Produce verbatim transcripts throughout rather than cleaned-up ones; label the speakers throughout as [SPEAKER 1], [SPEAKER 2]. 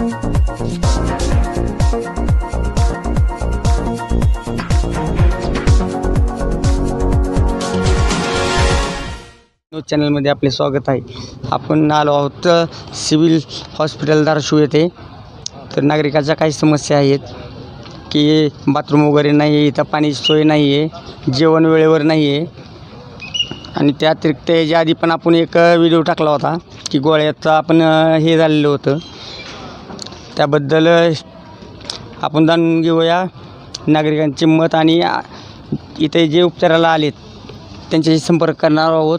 [SPEAKER 1] News चॅनलमध्ये आपले स्वागत आहे. आपण आलो आहोत सिव्हिल हॉस्पिटल धाराशिव येथे. तर नागरिकाच्या काही समस्या आहेत की बाथरूम वगैरे नाही आहे, इथं पाण्याची सोय नाही आहे, जेवण वेळेवर नाही आहे. आणि त्या अतिरिक्त याच्या आधी पण आपण एक व्हिडिओ टाकला होता की गोळ्याचं आपण हे झालेलं होतं. त्याबद्दल आपण जाणून घेऊया नागरिकांचे मत आणि इथे जे उपचाराला आलेत त्यांच्याशी संपर्क करणार आहोत.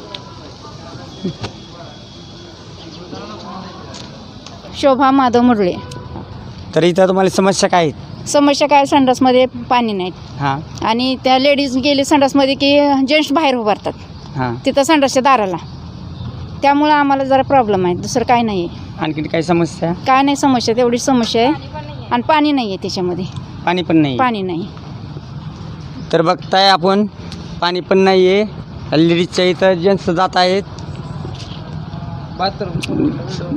[SPEAKER 2] शोभा माधव मुरळे.
[SPEAKER 1] तर इथं तुम्हाला समस्या काय आहेत?
[SPEAKER 2] समस्या काय, संडासमध्ये पाणी नाही
[SPEAKER 1] हां
[SPEAKER 2] आणि त्या लेडीज गेले संडासमध्ये की जेंट्स बाहेर उभारतात
[SPEAKER 1] हां
[SPEAKER 2] तिथं संडासच्या दाराला. त्यामुळं आम्हाला जरा प्रॉब्लेम आहे, दुसरं काय नाही आहे.
[SPEAKER 1] आणखी काही समस्या?
[SPEAKER 2] काय नाही समस्या, तेवढी समस्या आहे. आणि पाणी नाही आहे त्याच्यामध्ये,
[SPEAKER 1] पाणी पण नाही.
[SPEAKER 2] पाणी नाही.
[SPEAKER 1] तर बघताय आपण पाणी पण नाही आहे. लेडीजच्या इथं जेंट्स जात आहेत. बाथरूम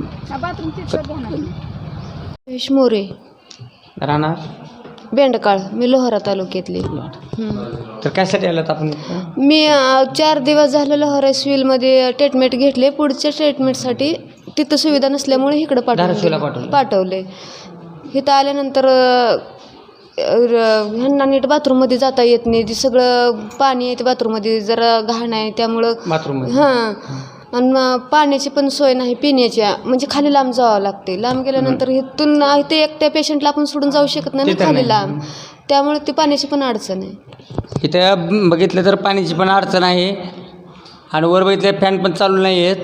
[SPEAKER 3] महेश मोरे
[SPEAKER 1] राहणार
[SPEAKER 3] बेंडकाळ, मी लोहारा तालुक्यातली.
[SPEAKER 1] तर कशासाठी आलात आपण?
[SPEAKER 3] मी अ, चार दिवस झालं लोहारा सिव्हिलमध्ये ट्रीटमेंट घेतले. पुढच्या ट्रीटमेंटसाठी तिथं सुविधा नसल्यामुळे इकडं
[SPEAKER 1] धाराशिवला
[SPEAKER 3] पाठवलं
[SPEAKER 1] पाठवलं.
[SPEAKER 3] पाठवले. इथं आल्यानंतर अ, र- ह्यांना नीट बाथरूममध्ये जाता येत नाही. ते सगळं पाणी आहे ते बाथरूममध्ये, जरा घाण आहे त्यामुळं
[SPEAKER 1] बाथरूम
[SPEAKER 3] हां. आणि मग पाण्याची पण सोय नाही पिण्याच्या, म्हणजे खाली लांब जावं लागते. लांब गेल्यानंतर इथून इथे एकट्या पेशंटला आपण सोडून जाऊ शकत नाही ना खाली लांब, त्यामुळे ती पाण्याची पण अडचण आहे.
[SPEAKER 1] इथं बघितलं तर पाण्याची पण अडचण आहे. आणि वर बघितलं फॅन पण चालू नाही आहेत.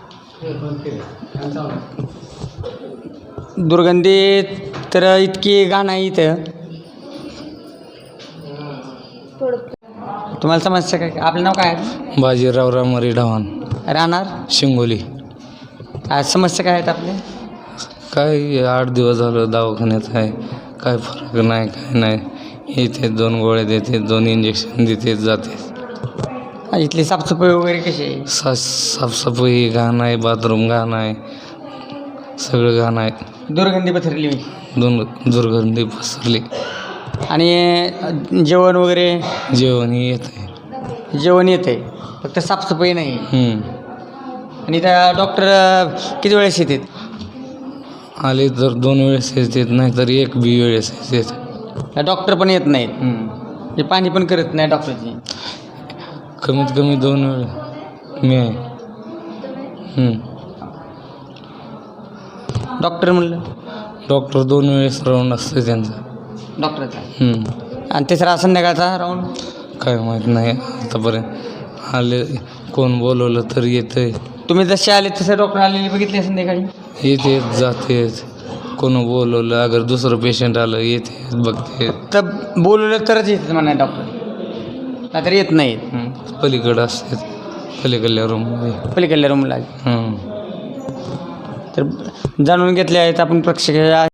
[SPEAKER 1] दुर्गंधी तर इतकी घाण आहे इथं. तुम्हाला समस्या काय? आपलं नाव काय आहे?
[SPEAKER 4] बाजीराव रामरी ढवाण,
[SPEAKER 1] राहणार
[SPEAKER 4] शिंगोली.
[SPEAKER 1] आज समस्या काय आहेत आपल्या?
[SPEAKER 4] काय आठ दिवस झालं दवाखान्यात आहे, काय फरक नाही, काय नाही. येते दोन गोळ्या देते, दोन इंजेक्शन देते, जाते.
[SPEAKER 1] इथली साफसफाई वगैरे कशी आहे?
[SPEAKER 4] सा साफसफाई घाण आहे, बाथरूम घाण आहे, सगळं घाण आहे.
[SPEAKER 1] दुर्गंधी पसरली.
[SPEAKER 4] दोन दुर्गंधी पसरली.
[SPEAKER 1] आणि जेवण वगैरे?
[SPEAKER 4] जेवणही येत आहे.
[SPEAKER 1] जेवण येतं आहे, फक्त साफसफाई नाही.
[SPEAKER 4] हम्म.
[SPEAKER 1] आणि त्या डॉक्टर किती वेळेस येतात?
[SPEAKER 4] आले तर दोन वेळेस येतात, नाही तर एक बी वेळेस येतात.
[SPEAKER 1] डॉक्टर पण येत नाहीत. हे पाणी पण करत नाही डॉक्टरची.
[SPEAKER 4] कमीत कमी दोन वेळ मी आहे. हम्म.
[SPEAKER 1] डॉक्टर म्हणलं?
[SPEAKER 4] डॉक्टर दोन वेळेस राऊंड असते त्यांचा.
[SPEAKER 1] डॉक्टरचा.
[SPEAKER 4] हम्म.
[SPEAKER 1] आणि तिसरा संध्याकाळचा राऊंड?
[SPEAKER 4] काय माहीत नाही आतापर्यंत. आले कोण बोलवलं तर येतं.
[SPEAKER 1] तुम्ही जसे आले तसे डॉक्टर आलेले बघितले संध्याकाळी?
[SPEAKER 4] येते जाते, कोण बोलवलं, अगर दुसरं पेशंट आलं येते बघते.
[SPEAKER 1] तर बोलवलं तरच येतात म्हणा डॉक्टर, नाहीतर येत नाहीत.
[SPEAKER 4] पलीकडं असते, पलीकडल्या रूममध्ये.
[SPEAKER 1] पलीकडल्या रूमला.
[SPEAKER 4] हं.
[SPEAKER 1] तर जाणून घेतले आहेत आपण प्रेक्षक